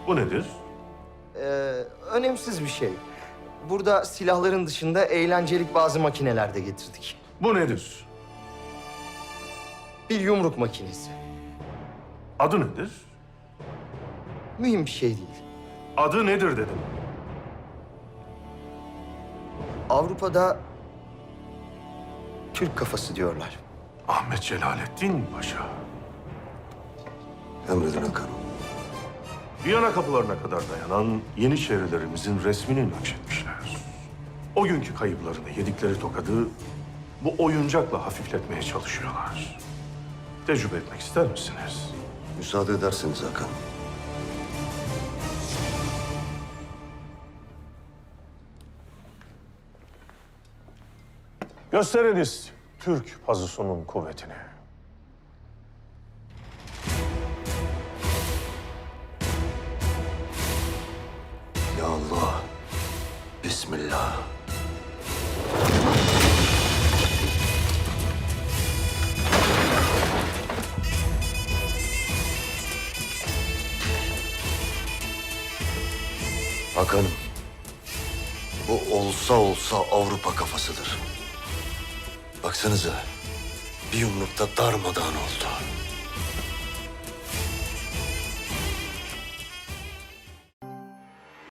Bu nedir? Ee, önemsiz bir şey. Burada silahların dışında eğlencelik bazı makineler de getirdik. Bu nedir? Bir yumruk makinesi. Adı nedir? Mühim bir şey değil. Adı nedir dedim. Avrupa'da Türk kafası diyorlar. Ahmet Celalettin Paşa. Emredin Hakan'ım. Viyana kapılarına kadar dayanan Yeniçerilerimizin resmini nakşetmişler. O günkü kayıplarını, yedikleri tokadı bu oyuncakla hafifletmeye çalışıyorlar. Tecrübe etmek ister misiniz? Müsaade ederseniz Hakan'ım. Gösteriniz Türk pazusunun kuvvetini. Ya Allah. Bismillah. Hakan'ım. Bu olsa Avrupa kafasıdır. Baksanıza. Bir yumrukta darmadağın oldu.